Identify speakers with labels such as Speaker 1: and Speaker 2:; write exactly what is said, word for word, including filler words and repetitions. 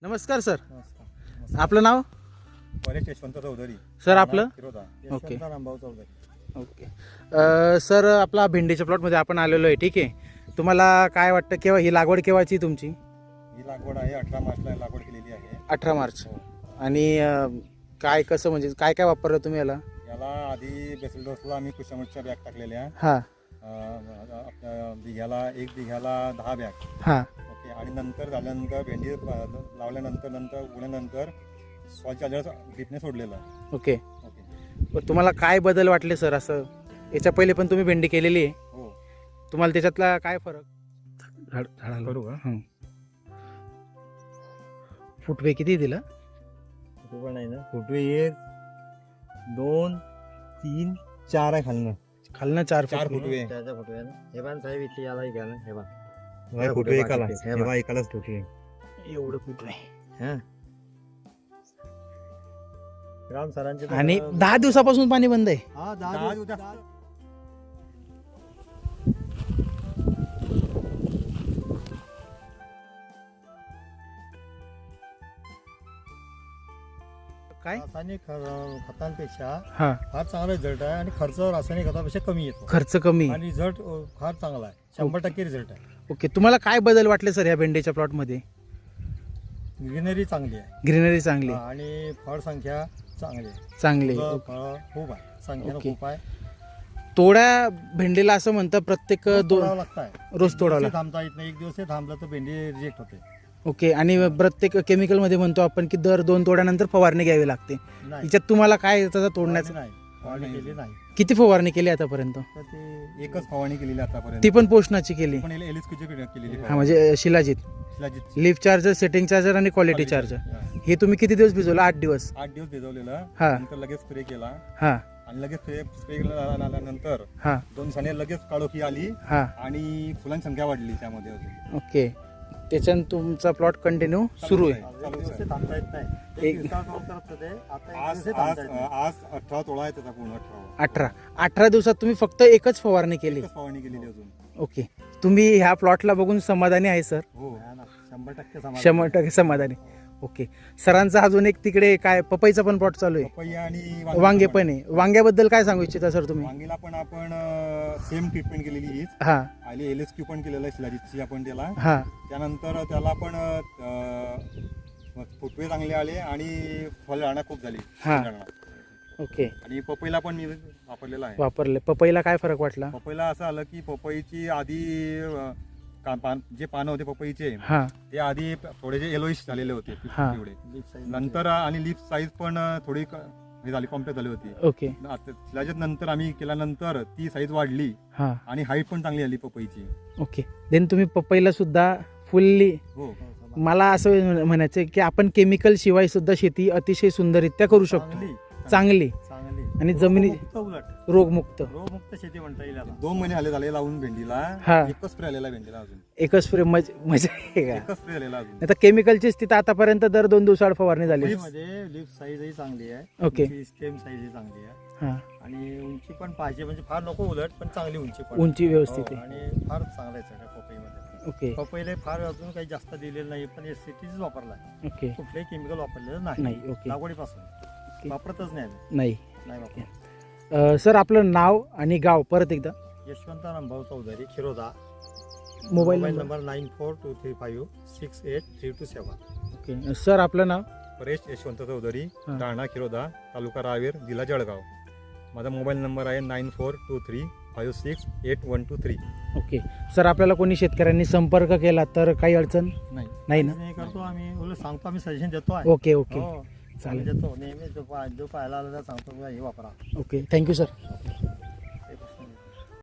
Speaker 1: नमस्कार सर,
Speaker 2: नमस्कार.
Speaker 1: आपलं नाव?
Speaker 2: परेश यशवंत चौधरी.
Speaker 1: सर आपलं?
Speaker 2: किरोदा.
Speaker 1: ओके.
Speaker 2: यशवंत रामभाऊ चौधरी.
Speaker 1: ओके. अ, सर आपला भेंडीच्या प्लॉटमध्ये आपण आलेलो आहे, ठीक आहे. तुम्हाला काय वाटतं, केव्हा ही लागवड केव्हाची तुमची?
Speaker 2: ही लागवड आहे अठरा मार्चला लागवड केलेली आहे.
Speaker 1: अठरा मार्च.
Speaker 2: हो.
Speaker 1: आणि अ, काय कसं म्हणजे काय काय वापरलं तुम्ही याला?
Speaker 2: याला आधी बेसल डोसला आम्ही कुशामटच्या बॅग टाकलेल्या.
Speaker 1: हां
Speaker 2: अं, आपल्या बिघ्याला एक बिघ्याला दहा बॅग.
Speaker 1: हां
Speaker 2: ओके. आणि नंतर झाल्यानंतर भेंडी लावल्यानंतर नंतर उगल्यानंतर सॉइल चार्जर ड्रिपने सोडलेलं.
Speaker 1: ओके.
Speaker 2: ओके.
Speaker 1: पण तुम्हाला काय बदल वाटले सर? असं याच्या पहिले पण तुम्ही भेंडी केलेली आहे,
Speaker 2: हो.
Speaker 1: तुम्हाला त्याच्यातला काय फरक? झाड झाडाला
Speaker 2: करू का?
Speaker 1: हं. फुटवे किती दिला?
Speaker 2: पण नाही ना फुटवे एक दोन तीन चार आहे खालनं.
Speaker 1: खालनं चार
Speaker 2: चार
Speaker 1: फुटवे.
Speaker 2: फुटवे.
Speaker 3: त्याचा फोटो आहे ना. हे पण साहेब इथे याला घ्या ना. हे बा
Speaker 2: हे फुटवे एकाला. हे बा एकालाच फुटवे.
Speaker 1: एवढं फुटवे.
Speaker 3: हा राम सरांचे तर-
Speaker 1: आणि दहा दिवसापासून पाणी बंद आहे.
Speaker 3: हा
Speaker 2: दहा
Speaker 3: दहा
Speaker 2: दिवस-
Speaker 3: दिवस
Speaker 1: काय?
Speaker 3: रासायनिक ख- खतांपेक्षा
Speaker 1: हा,
Speaker 3: फार चांगला रिझल्ट आहे आणि खर्च रासायनिक खतापेक्षा कमी येतो
Speaker 1: खर्च कमी.
Speaker 3: आणि रिझल्ट फार चांगला आहे. शंभर टक्के रिझल्ट आहे.
Speaker 1: ओके. तुम्हाला काय बदल वाटले सर या भेंडीच्या प्लॉट मध्ये?
Speaker 3: ग्रीनरी चांगली आहे.
Speaker 1: ग्रीनरी चांगली,
Speaker 3: हा, आणि फळ संख्या चांगली आहे.
Speaker 1: चांगली.
Speaker 3: फुलं, फळं खूप आहे. संख्या
Speaker 1: ओके.
Speaker 3: खूप आहे.
Speaker 1: तोड्या भेंडीला असं म्हणतं प्रत्येक
Speaker 3: रोज
Speaker 1: दोन
Speaker 3: तोडावं लागतं आहे.
Speaker 1: रोज
Speaker 3: एक
Speaker 1: तोडावं
Speaker 3: दिवस
Speaker 1: लागतं.
Speaker 3: थांबता येत नाही. एक दिवस हे थांबलं तर भेंडी रिजेक्ट होते.
Speaker 1: ओके. आणि प्रत्येक केमिकल मध्ये म्हणतो आपण की दर दोन तोड्यानंतर फवारणी घ्यावी लागते.
Speaker 3: नाही
Speaker 1: याच्यात तुम्हाला काय त्याचा तोडण्याचं?
Speaker 3: नाही फवारणी केली नाही.
Speaker 1: किती फवारणी केली आतापर्यंत?
Speaker 3: तर ते
Speaker 2: एकच फवारणी केलेली आतापर्यंत.
Speaker 1: ती पण पोषणाची केली?
Speaker 2: पण एलएसक्यूची केलेली.
Speaker 1: हा, म्हणजे shilajit,
Speaker 2: shilajit.
Speaker 1: Leaf charger, setting charger आणि क्वालिटी चार्जर.
Speaker 3: हा.
Speaker 1: हे तुम्ही किती दिवस भिजवलं? आठ दिवस.
Speaker 2: आठ दिवस भिजवलेलं.
Speaker 1: हा.
Speaker 2: नंतर लगेच स्प्रे केला
Speaker 1: हा
Speaker 2: आणि लगेच स्प्रे स्प्रे केल्यानंतर
Speaker 1: हा
Speaker 2: दोन दिवसांनी लगेच काळोखी आली
Speaker 1: हा
Speaker 2: आणि फुलांची संख्या वाढली त्यामध्ये अजून.
Speaker 1: ओके. त्याच्यानं तुमचा प्लॉट कंटिन्यू सुरू आहे.
Speaker 3: आज एक दिवस हे थांबता येत नाही.
Speaker 1: एक-
Speaker 3: एक दिवसात काम करत होते. आता एक
Speaker 2: आज
Speaker 3: दिवस हे
Speaker 2: आज
Speaker 3: थांबता येत नाही.
Speaker 2: आज अठरा तोळा आहे त्याचा पूर्ण अठरा.
Speaker 1: अठरा अठरा दिवसात तुम्ही फक्त एकच फवारणी केली?
Speaker 2: एकच फवारणी केलेली अजून.
Speaker 1: ओके. तुम्ही ह्या प्लॉटला बघून समाधानी आहे सर?
Speaker 2: हो.
Speaker 3: हा ना, शंभर टक्के समाधान.
Speaker 1: शंभर टक्के समाधानी. ओके. सरांचा अजून एक तिकडे काय पपईचा पण प्लॉट चालू आहे,
Speaker 2: पपई आणि
Speaker 1: वांगे पण आहे. वांग्याबद्दल काय सांगू इच्छिता सर तुम्ही?
Speaker 2: वांगीला पण आपण सेम ट्रीटमेंट केलेली हीच.
Speaker 1: हा
Speaker 2: आणि एलएसक्यू पण केलेलं आहे शिलाजीतची आपण त्याला.
Speaker 1: हा
Speaker 2: त्यानंतर त्याला पण अं, फुटवे चांगले आले आणि फळझाडा खूप झाली.
Speaker 1: हा.
Speaker 2: फळझाडा.
Speaker 1: ओके.
Speaker 2: आणि पपईला पण मी वापरलेला आहे.
Speaker 1: वापरले. पपईला काय फरक वाटला?
Speaker 2: पपईला असं आलं की पपईची आधी अं, का- पान- जे पानं होते पपईचे
Speaker 1: हा
Speaker 2: ते आधी थोडेसे येलोइश झालेले होते
Speaker 1: हा.
Speaker 2: पिवळे.
Speaker 3: Leaf size
Speaker 2: नंतर आणि लिप साईज पण थोडी क- हे झाली कॉम्प्लेक्ट झाली होती.
Speaker 1: ओके.
Speaker 2: आता शिलाजीत नंतर आम्ही केल्यानंतर ती साईज वाढली
Speaker 1: हा
Speaker 2: आणि हाईट पण चांगली आली पपईची.
Speaker 1: ओके. देन तुम्ही पपईला सुद्धा फुल्ली,
Speaker 2: हो.
Speaker 3: समाधान.
Speaker 1: मला असं म्हणायचं आहे की आपण केमिकल शिवाय सुद्धा शेती अतिशय सुंदररित्या करू शकतो,
Speaker 3: चांगली
Speaker 1: चांगली
Speaker 3: चांगली
Speaker 1: आणि जमिनी
Speaker 3: रोगमुक्त उलट
Speaker 1: रोगमुक्त.
Speaker 3: रोगमुक्त शेती म्हणता येईल याला.
Speaker 2: दोन महिने आले झाले लावून भेंडीला.
Speaker 1: हा.
Speaker 2: एकच स्प्रे आलेला भेंडीला अजून.
Speaker 1: एकच स्प्रे मज मजा आहे का?
Speaker 2: एकच स्प्रे आलेला अजून.
Speaker 1: आता केमिकलची स्थिती आतापर्यंत दर दोन दिवसाआड फवारणी झाली.
Speaker 3: मध्ये लिफ साईजही चांगली आहे.
Speaker 1: ओके.
Speaker 3: स्टेम साईजही चांगली आहे.
Speaker 1: हा,
Speaker 3: आणि उंची पण पाहिजे म्हणजे फार नको उलट पण चांगली उंची पण
Speaker 1: उंची व्यवस्थित
Speaker 3: हो,
Speaker 1: आहे.
Speaker 3: आणि फार चांगला आहे सगळ्या पपईमध्ये.
Speaker 1: ओके.
Speaker 3: पपईला फार अजून काही जास्त दिलेलं नाही पण एस सी टीच वापरला आहे.
Speaker 1: ओके.
Speaker 3: कुठलंही केमिकल वापरलेलं नाही.
Speaker 1: नाही. ओके.
Speaker 3: लागवडीपासून वापरतच नाही आम्ही.
Speaker 1: नाही.
Speaker 3: नाही वापरत.
Speaker 1: अ, सर आपलं नाव आणि गाव परत एकदा?
Speaker 3: Yashwant Rambhau Chaudhari Khiroda.
Speaker 1: Mobile
Speaker 3: mobile
Speaker 1: number?
Speaker 3: Number nine four two three five six eight three two seven.
Speaker 1: Okay. Sir आपलं नाव?
Speaker 2: परेश यशवंत चौधरी,
Speaker 1: हा.
Speaker 2: राहणार खिरोदा, तालुका रावेर, जिल्हा जळगाव. माझा मोबाईल नंबर आहे nine four two three five six eight one two three.
Speaker 1: Okay. Sir आपल्याला कोणी शेतकऱ्यांनी संपर्क केला तर काही अडचण
Speaker 2: नाही.
Speaker 1: नाही ना?
Speaker 3: हे करतो आम्ही उलट सांगतो आम्ही सजेशन देतो आहे.
Speaker 1: ओके. ओके.
Speaker 3: हो
Speaker 1: चालेल.
Speaker 3: देतो नेहमी जो पाहायला आला तर सांगतो हे वापरा.
Speaker 1: ओके. Thank you sir.